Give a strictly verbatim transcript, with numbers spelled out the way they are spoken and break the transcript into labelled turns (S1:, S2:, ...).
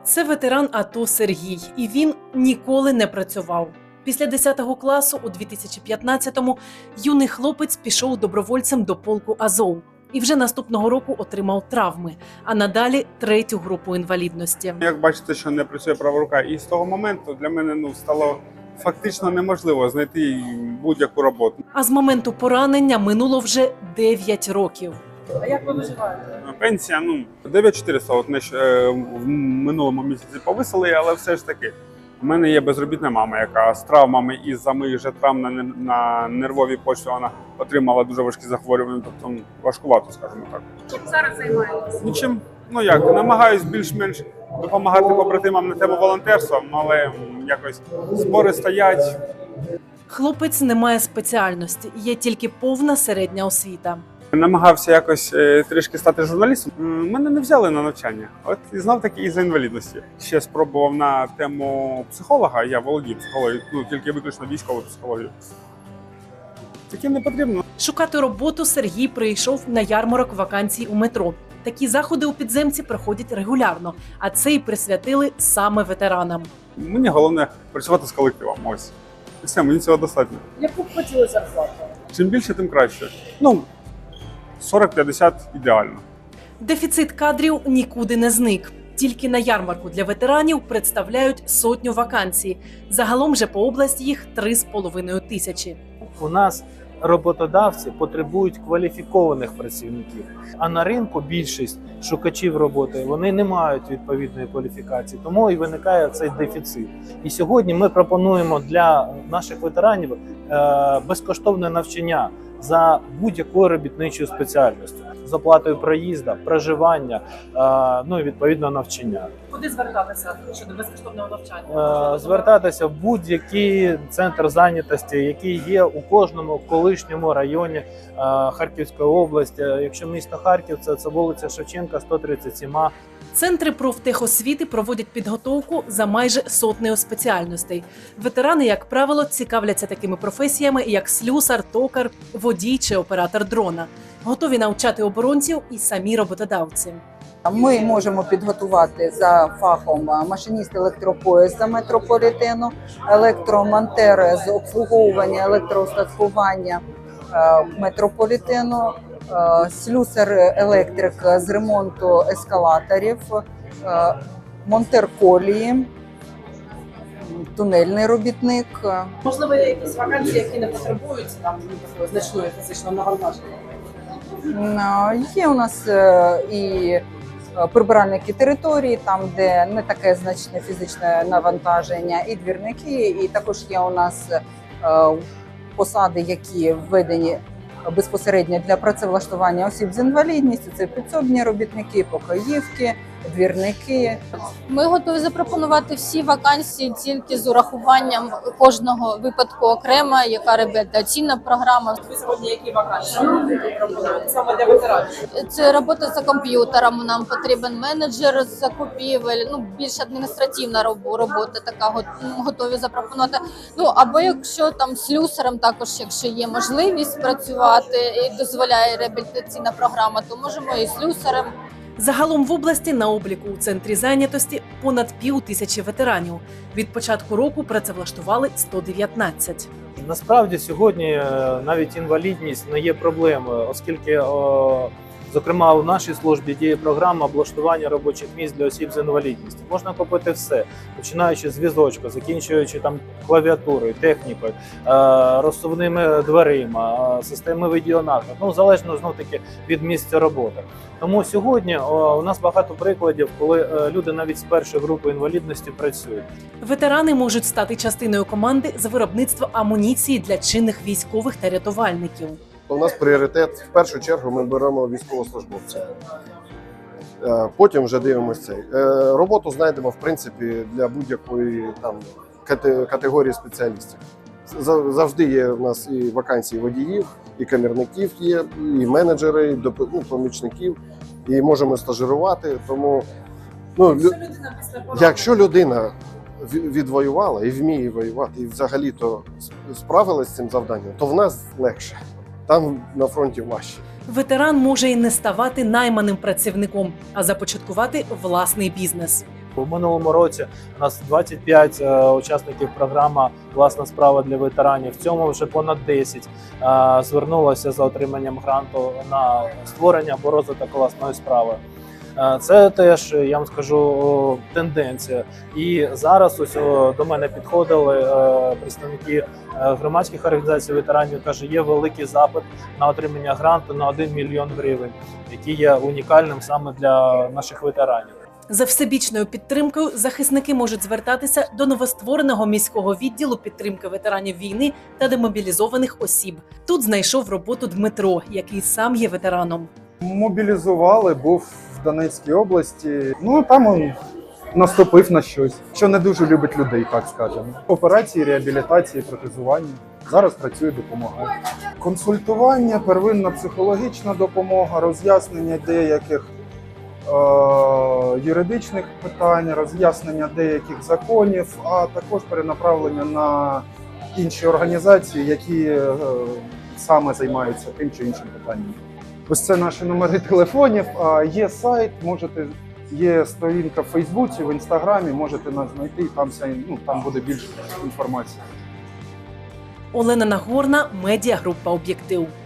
S1: Це ветеран АТО Сергій, і він ніколи не працював. Після десятого класу у дві тисячі п'ятнадцятому юний хлопець пішов добровольцем до полку Азов і вже наступного року отримав травми, а надалі третю групу інвалідності.
S2: Як бачите, що не працює права рука, і з того моменту для мене ну стало фактично неможливо знайти будь-яку роботу.
S1: А з моменту поранення минуло вже дев'ять років. А як ви виживаєте?
S2: Пенсія, ну, дев'ять чотириста, от нещ- е, в минулому місяці повисили, але все ж таки. У мене є безробітна мама, яка з травмами із-за моїх же травм на, нер- на нервовій почві вона отримала дуже важкі захворювання, тобто важкувато, скажімо так.
S3: Чим зараз займаєтесь?
S2: Нічим, ну як, намагаюсь більш-менш допомагати побратимам на тему волонтерства, але м, якось збори стоять.
S1: Хлопець не має спеціальності, є тільки повна середня освіта.
S2: Намагався якось е, трішки стати журналістом. М, Мене не взяли на навчання. От і знав таки із-за інвалідності. Ще спробував на тему психолога. Я володію психологією, ну тільки виключно військову психологію. Таким не потрібно.
S1: Шукати роботу Сергій прийшов на ярмарок вакансій у метро. Такі заходи у підземці проходять регулярно, а це й присвятили саме ветеранам.
S2: Мені головне працювати з колективом. Ось. І все, мені цього достатньо.
S1: Яку б хотіли зарплату?
S2: Чим більше, тим краще. Ну, сорок-п'ятдесят ідеально.
S1: Дефіцит кадрів нікуди не зник. Тільки на ярмарку для ветеранів представляють сотню вакансій. Загалом же по області їх три з половиною тисячі.
S4: У нас роботодавці потребують кваліфікованих працівників, а на ринку більшість шукачів роботи вони не мають відповідної кваліфікації, тому і виникає цей дефіцит. І сьогодні ми пропонуємо для наших ветеранів е, безкоштовне навчання за будь-якою робітничою спеціальністю, з оплатою проїзду, проживання, е, ну і відповідно навчання.
S1: Куди звертатися щодо безкоштовного навчання?
S4: Е, Звертатися в будь-який центр зайнятості, який є у кожному колишньому районі е, Харківської області. Якщо місто Харків, це, це вулиця Шевченка, сто тридцять сім А.
S1: Центри профтехосвіти проводять підготовку за майже сотнею спеціальностей. Ветерани, як правило, цікавляться такими професіями, як слюсар, токар, водій чи оператор дрона. Готові навчати оборонців і самі роботодавці.
S5: Ми можемо підготувати за фахом машиніст електропоїзда метрополітену, електромонтер з обслуговування електроустаткування е, метрополітену, е, слюсар-електрик з ремонту ескалаторів, е, монтер колії, тунельний робітник.
S1: Можливо, є якісь вакансії, які не потребують там такого значної фізичного навантаження?
S5: М, Є у нас е, і прибиральники території, там, де не таке значне фізичне навантаження, і двірники, і також є у нас е, посади, які введені безпосередньо для працевлаштування осіб з інвалідністю. Це підсобні робітники, покоївки, двірники.
S3: Ми готові запропонувати всі вакансії тільки з урахуванням кожного випадку окремо, яка реабілітаційна програма.
S1: Ви сьогодні які вакансії пропонуєте саме для ветеранів?
S3: Це робота за комп'ютером. Нам потрібен менеджер з закупівель, ну більш адміністративна роб- робота така го- готові запропонувати. Ну або якщо там слюсарем, також якщо є можливість працювати і дозволяє реабілітаційна програма, то можемо і слюсарем.
S1: Загалом в області на обліку у центрі зайнятості понад пів тисячі ветеранів. Від початку року працевлаштували сто дев'ятнадцять.
S4: Насправді сьогодні е, навіть інвалідність не є проблемою, оскільки, о, зокрема, у нашій службі діє програма облаштування робочих місць для осіб з інвалідністю. Можна купити все, починаючи з візочка, закінчуючи там клавіатурою, технікою, е, розсувними дверима, е, системи відеонагляду, ну залежно знов таки від місця роботи. Тому сьогодні о, у нас багато прикладів, коли е, люди навіть з першої групи інвалідності працюють.
S1: Ветерани можуть стати частиною команди з виробництва амуніції для чинних військових та рятувальників.
S6: У нас пріоритет, в першу чергу, ми беремо військовослужбовців. Е, Потім вже дивимося цей. Е, Роботу знайдемо, в принципі, для будь-якої там кате- категорії спеціалістів. За- Завжди є у нас і вакансії водіїв, і камірників є, і менеджери, і доп- ну, помічників, і можемо стажирувати. Тому, ну, лю- якщо людина ві- відвоювала і вміє воювати, і взагалі-то справилась з цим завданням, то в нас легше. Там на фронті важче.
S1: Ветеран може і не ставати найманим працівником, а започаткувати власний бізнес.
S4: У минулому році у нас двадцять п'ять е, учасників програми «Власна справа для ветеранів». В цьому вже понад десять е, звернулося за отриманням гранту на створення або розвиток власної справи. Е, Це теж, я вам скажу, о, тенденція. І зараз ось о, до мене підходили е, представники е, громадських організацій ветеранів, каже, є великий запит на отримання гранту на один мільйон гривень, який є унікальним саме для наших ветеранів.
S1: За всебічною підтримкою захисники можуть звертатися до новоствореного міського відділу підтримки ветеранів війни та демобілізованих осіб. Тут знайшов роботу Дмитро, який сам є ветераном.
S7: Мобілізували, був в Донецькій області. Ну там він наступив на щось, що не дуже любить людей, так скажемо. Операції, реабілітації, протезування. Зараз працює, допомагає. Консультування, первинна психологічна допомога, роз'яснення деяких е- юридичних питань, роз'яснення деяких законів, а також перенаправлення на інші організації, які е- саме займаються тим чи іншим питанням. Ось це наші номери телефонів. А є сайт, можете, є сторінка в Фейсбуці, в Інстаграмі, можете нас знайти, там, вся, ну, там буде більше інформації.
S1: Олена Нагорна, медіагрупа «Об'єктив».